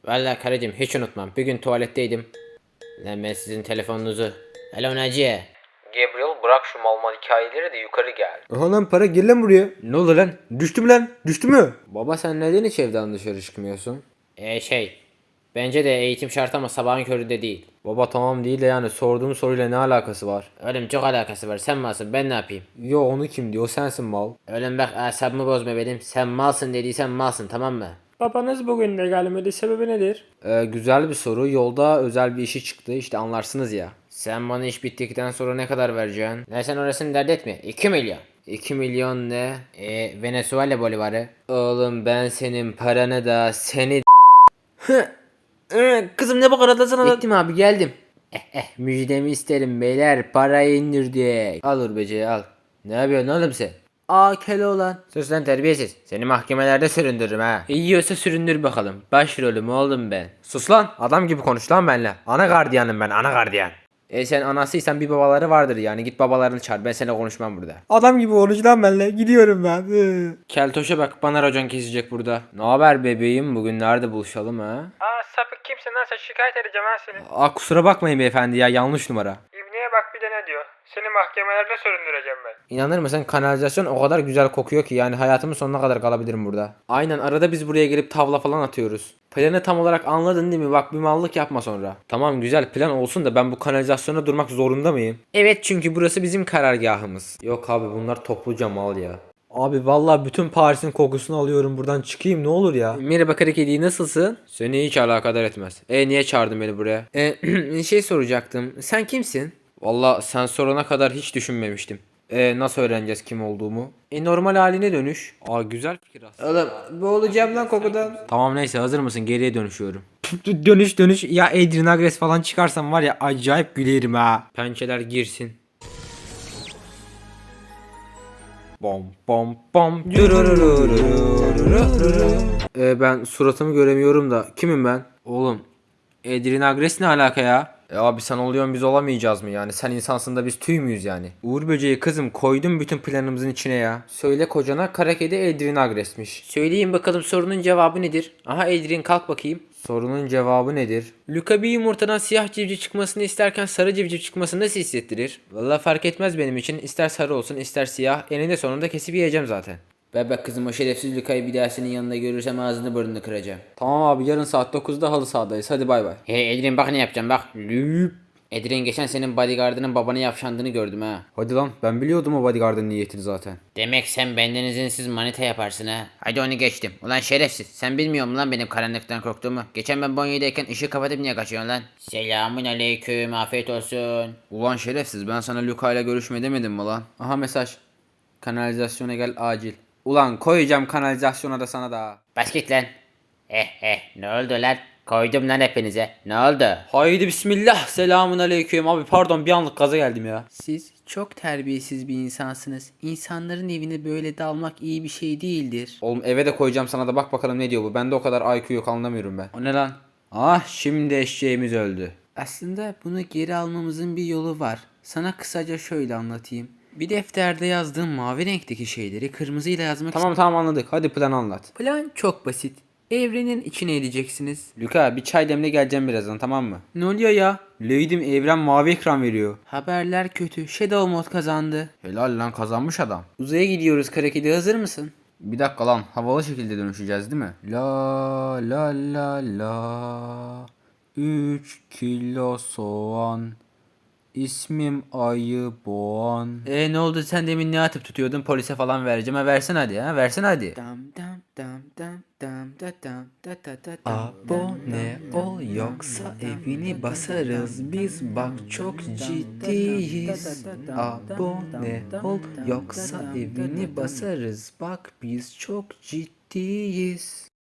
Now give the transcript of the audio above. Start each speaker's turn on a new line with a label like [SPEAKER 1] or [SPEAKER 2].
[SPEAKER 1] Vallahi karıcığım hiç unutmam. Bir gün tuvaletteydim. Lan ben sizin telefonunuzu. Alo Naciye.
[SPEAKER 2] Gabriel bırak şu mal mal hikayeleri de yukarı gel.
[SPEAKER 3] Aha lan para gel lan buraya. Ne oldu lan? Düştü mü lan? Düştü mü?
[SPEAKER 1] Baba sen neden hiç evden dışarı çıkmıyorsun? Bence de eğitim şart ama sabahın köründe değil.
[SPEAKER 3] Baba tamam değil de yani sorduğum soruyla ne alakası var?
[SPEAKER 1] Oğlum çok alakası var. Sen malsın ben ne yapayım?
[SPEAKER 3] Yo onu kim diyor sensin mal.
[SPEAKER 1] Oğlum bak asabımı bozma benim. Sen malsın dediysen malsın tamam mı?
[SPEAKER 4] Babanız bugün de gelmedi. Sebebi nedir?
[SPEAKER 3] Güzel bir soru. Yolda özel bir işi çıktı işte anlarsınız ya.
[SPEAKER 1] Sen bana iş bittikten sonra ne kadar vereceksin? Ne sen orasını dert etme. 2 milyon. 2 milyon ne? Venezuela bolivarı. Oğlum ben senin paranı da seni
[SPEAKER 4] Kızım ne bakar adasına
[SPEAKER 1] Bittim abi geldim. Müjdemi isterim beyler parayı indirdik. Al Urbece'yi al. Ne yapıyorsun oğlum sen?
[SPEAKER 4] Aa Keloğlan.
[SPEAKER 1] Sus lan terbiyesiz. Seni mahkemelerde süründürürüm ha. İyiyorsa süründür bakalım. Başrolüm oğlum ben.
[SPEAKER 3] Sus lan adam gibi konuş lan benimle. Ana gardiyanım ben ana gardiyan.
[SPEAKER 1] Sen anasıysan bir babaları vardır yani. Git babalarını çağır. Ben seninle konuşmam burada.
[SPEAKER 3] Adam gibi konuş lan benimle. Gidiyorum ben.
[SPEAKER 1] Keltoş'a bak bana racon kesecek burada. Ne haber bebeğim? Bugün nerede buluşalım ha?
[SPEAKER 4] Aa sapık kimsin lan, sen şikayet edeceğim ha seni.
[SPEAKER 3] Aa kusura bakmayın beyefendi ya yanlış numara.
[SPEAKER 4] İbniye bak bir de ne diyor. Seni mahkemelerde süründüreceğim ben.
[SPEAKER 1] İnanır mısın kanalizasyon o kadar güzel kokuyor ki yani hayatımın sonuna kadar kalabilirim burada.
[SPEAKER 3] Aynen arada biz buraya gelip tavla falan atıyoruz. Planı tam olarak anladın değil mi? Bak bir mallık yapma sonra. Tamam güzel plan olsun da ben bu kanalizasyona durmak zorunda mıyım?
[SPEAKER 1] Evet çünkü burası bizim karargahımız.
[SPEAKER 3] Yok abi bunlar topluca mal ya. Abi vallahi bütün Paris'in kokusunu alıyorum buradan çıkayım ne olur ya.
[SPEAKER 1] Merhaba kara kedi nasılsın?
[SPEAKER 3] Seni hiç alakadar etmez. Niye çağırdın beni buraya?
[SPEAKER 1] Şey soracaktım. Sen kimsin?
[SPEAKER 3] Vallahi sen sorana kadar hiç düşünmemiştim. Nasıl öğreneceğiz kim olduğumu? Normal haline dönüş. Aa güzel fikir aslında.
[SPEAKER 1] Oğlum boğulacağım lan kokudan.
[SPEAKER 3] Tamam neyse hazır mısın? Geriye dönüşüyorum. Dönüş. Ya Adrian Agres falan çıkarsam var ya acayip gülerim ha.
[SPEAKER 1] Pençeler girsin.
[SPEAKER 3] Bom bom bom. Ben suratımı göremiyorum da kimim ben? Oğlum Adrian Agres ne alaka ya? Abi sen oluyorsun biz olamayacağız mı yani? Sen insansın da biz tüy müyüz yani? Uğur böceği kızım koydum bütün planımızın içine ya. Söyle kocana kara kedi Adrian Agres'miş.
[SPEAKER 1] Söyleyin bakalım sorunun cevabı nedir? Aha Adrian kalk bakayım.
[SPEAKER 3] Sorunun cevabı nedir?
[SPEAKER 1] Luka bir yumurtadan siyah civciv çıkmasını isterken sarı civciv çıkmasını nasıl hissettirir? Vallahi fark etmez benim için. İster sarı olsun ister siyah. Eninde sonunda kesip yiyeceğim zaten. Bebek kızım o şerefsiz Luka'yı bir daha senin yanında görürsem ağzını burnunu kıracağım.
[SPEAKER 3] Tamam abi yarın saat 9'da halı sahadayız hadi bay bay.
[SPEAKER 1] Hey Edrin bak ne yapacağım bak. Lüp. Edrin geçen senin bodyguardının babana yavşandığını gördüm ha.
[SPEAKER 3] Hadi lan ben biliyordum o bodyguardın niyetini zaten.
[SPEAKER 1] Demek sen benden izinsiz manita yaparsın ha. Hadi onu geçtim. Ulan şerefsiz. Sen bilmiyor musun lan benim karanlıktan korktuğumu? Geçen ben banyodayken ışığı kapatıp niye kaçıyorsun lan? Selamun aleyküm. Afiyet olsun.
[SPEAKER 3] Ulan şerefsiz ben sana Luka ile görüşme demedim mi lan? Aha mesaj. Kanalizasyona gel acil. Ulan koyacağım kanalizasyona da sana da.
[SPEAKER 1] Bas git lan. Ne oldu lan? Koydum lan hepinize. Ne oldu?
[SPEAKER 3] Haydi bismillah selamun aleyküm abi pardon bir anlık gaza geldim ya.
[SPEAKER 1] Siz çok terbiyesiz bir insansınız. İnsanların evine böyle dalmak iyi bir şey değildir.
[SPEAKER 3] Oğlum eve de koyacağım sana da bak bakalım ne diyor bu. Bende o kadar IQ yok anlamıyorum ben. O ne lan? Ah şimdi eşeğimiz öldü.
[SPEAKER 1] Aslında bunu geri almamızın bir yolu var. Sana kısaca şöyle anlatayım. Bir defterde yazdığım mavi renkteki şeyleri kırmızıyla yazmak
[SPEAKER 3] Tamam anladık hadi plan anlat.
[SPEAKER 1] Plan çok basit. Evrenin içine edeceksiniz.
[SPEAKER 3] Luka bir çay demle geleceğim birazdan tamam mı?
[SPEAKER 1] Ne oluyor ya?
[SPEAKER 3] Leydim evren mavi ekran veriyor.
[SPEAKER 1] Haberler kötü. Shadow Mod kazandı.
[SPEAKER 3] Helal lan kazanmış adam.
[SPEAKER 1] Uzaya gidiyoruz Karakedi hazır mısın?
[SPEAKER 3] Bir dakika lan havalı şekilde dönüşeceğiz değil mi? La la la la 3 kilo soğan İsmim Ayı Boğan.
[SPEAKER 1] Ne oldu sen demin ne atıp tutuyordun polise falan vereceğim ha versin hadi ha versin hadi.
[SPEAKER 3] Abone ol yoksa evini basarız biz bak çok ciddiyiz. Abone ol yoksa evini basarız bak biz çok ciddiyiz.